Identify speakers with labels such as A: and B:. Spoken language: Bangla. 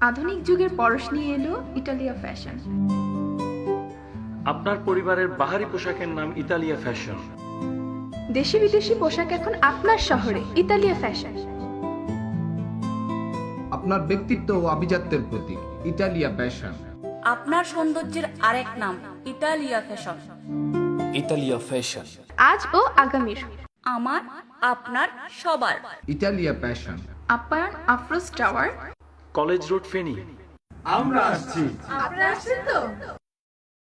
A: আধুনিক যুগের পরশ নিয়ে এলো ইতালিয়া ফ্যাশন।
B: আপনার পরিবারের বাহারি পোশাকের নাম ইতালিয়া ফ্যাশন।
A: দেশি বিদেশি পোশাক এখন আপনার শহরে, ইতালিয়া ফ্যাশন।
C: আপনার ব্যক্তিত্ব ও আভিজাত্যের প্রতীক, ইতালিয়া ফ্যাশন।
D: আপনার সৌন্দর্যের আরেক নাম, ইতালিয়া ফ্যাশন।
E: ইতালিয়া ফ্যাশন
A: আজ ও আগামীর
D: আমার, আপনার, সবার।
C: Italia fashion.
A: আপ্যায়ন Afroz tower,
B: college road, Feni.
C: আমরা আসছি।
A: আপনারা আসছেন তো?